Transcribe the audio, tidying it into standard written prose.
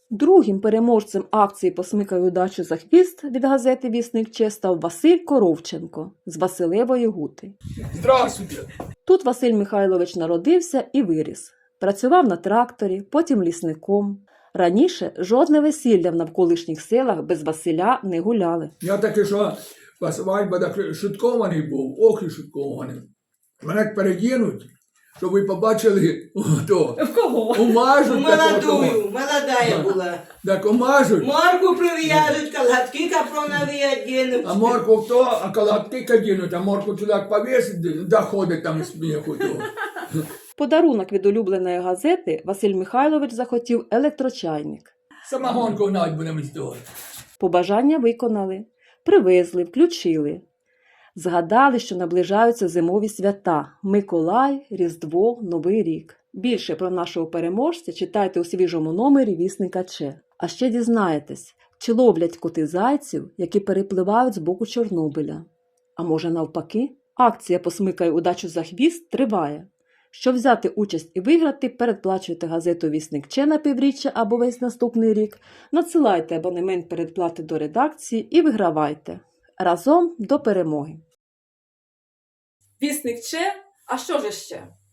Другим переможцем акції «Посмикай удачу за хвіст» від газети «Вісник Че» став Василь Коровченко з Василевої Гути. Здравствуйте! Тут Василь Михайлович народився і виріс. Працював на тракторі, потім лісником. Раніше жодне весілля в навколишніх селах без Василя не гуляли. Я таки, що свадьба так шуткований був, ох і шуткований. Мене передінуть, щоб ви побачили, то, В кого? умажуть. Молодую, молодая була. Так умажуть, Морку прив'яжуть, колготки капронові одінуть. а морку хто, а колготки кадінуть, а морку туди повісить, доходить там сміху. В подарунок від улюбленої газети Василь Михайлович захотів електрочайник. Самогонку навіть будемо здавати. Побажання виконали. Привезли, включили. Згадали, що наближаються зимові свята – Миколай, Різдво, Новий рік. Більше про нашого переможця читайте у свіжому номері «Вісника Че». А ще дізнаєтесь, чи ловлять коти зайців, які перепливають з боку Чорнобиля. А може навпаки? Акція «Посмикай удачу за хвіст» триває. Щоб взяти участь і виграти, передплачуйте газету «Вісник Че» на півріччя або весь наступний рік, надсилайте абонемент передплати до редакції і вигравайте. Разом до перемоги! Вісник Че? А що ж ще?